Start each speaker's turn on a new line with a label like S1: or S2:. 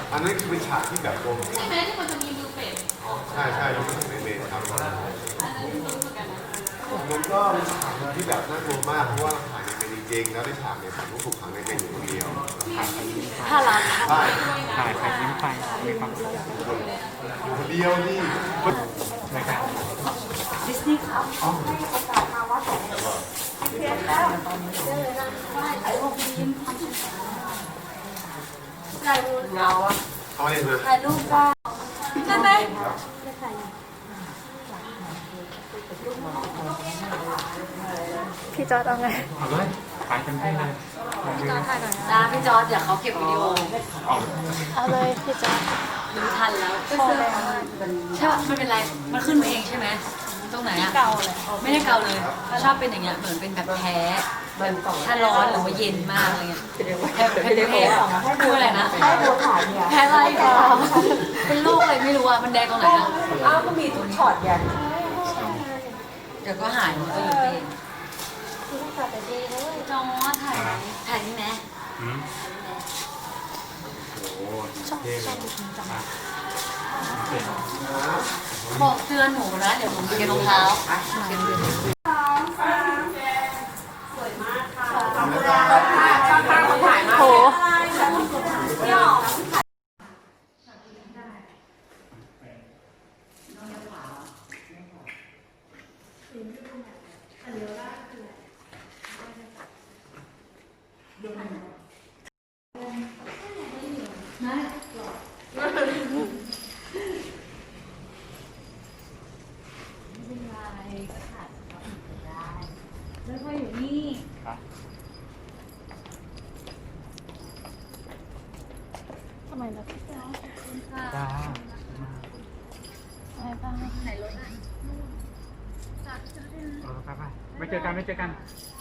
S1: อันนั้นคือเป็นฉากที่แบบรวม
S2: ใช่ไหมที่มันจะมีมือเป็ด
S1: ใช่ใช่รู้สึกในเมนครับ
S2: อันนั้นรู้เหมือนกันนะ
S1: มันก็เป็นฉากที่แบบน่ากลัวมากเพราะว่าถ่ายในเมนจริงๆแล้วในฉากเนี่ยผมต้องถูกขังในเมนอยู่คนเดียว
S2: ถ้ารัก
S1: ใช่
S3: ถ่ายไปยิ้มไปมีความสุข
S1: อยู่คนเดียวนี่
S3: นะครับ
S2: ดิสนีย์ครับให้โอกาสมาวัดของเพียงแล้วไอ้พวกยิ้มถ่ายรูปเงาอะ
S1: เขาเรียกมา
S2: ถ่ายรูปได้ใช่ไหม
S4: พี่จอร์ดเอาไง
S3: เอาเลยถ่ายเต็มที่เลย
S4: จอร์ดถ่ายก่อนนะ
S2: นะพี่จอร์ดเดี๋ยวเขาเก็บวิดีโอ
S4: เอาเลยพี่จอร์ด
S2: ดูทันแล้ว
S4: พอแล้ว
S2: ใช่ป่ะไม่เป็นไรมันขึ้นมาเองใช่ไหมตรงไหนอะ
S4: เก่าเลย
S2: ไม่ได้เกาเลยชอบเป็นอย่างเงี้ยเหมือนเป็นแบบแพ้ถ้าร้อนหรือว่าเย็นมากอะไรเงี้ยแพ้คืออะไรนะแพ้อะไรก่อนเป็นโรคอะไรไม่รู้อะมันแดงตรงไหนอะอ้าวก็มีทุกช็อตไงเดี๋ยวก็หายมันก็อยู่เอง
S4: พี่ต้องกลับไปดีเลย
S2: น้องถ่ายไหมถ่ายนี่ไหม
S3: อืมโอ้โห
S4: ชอบ
S3: เท่เล
S4: ชอย บดูจริงจัง
S3: เก่ง
S2: บอกเตือนหนูนะเดี๋ยวผมเก็บรองเท้า
S4: โห
S2: แล้วก็อยู่นี่
S3: ครับ
S4: ทำไมล่ะพี่จอร์ด
S3: จ้า
S4: อะไรบ้าง
S2: ไหนรถอ่ะ
S3: ไปไปไม่เจอกันไม่เจอกัน
S2: ไ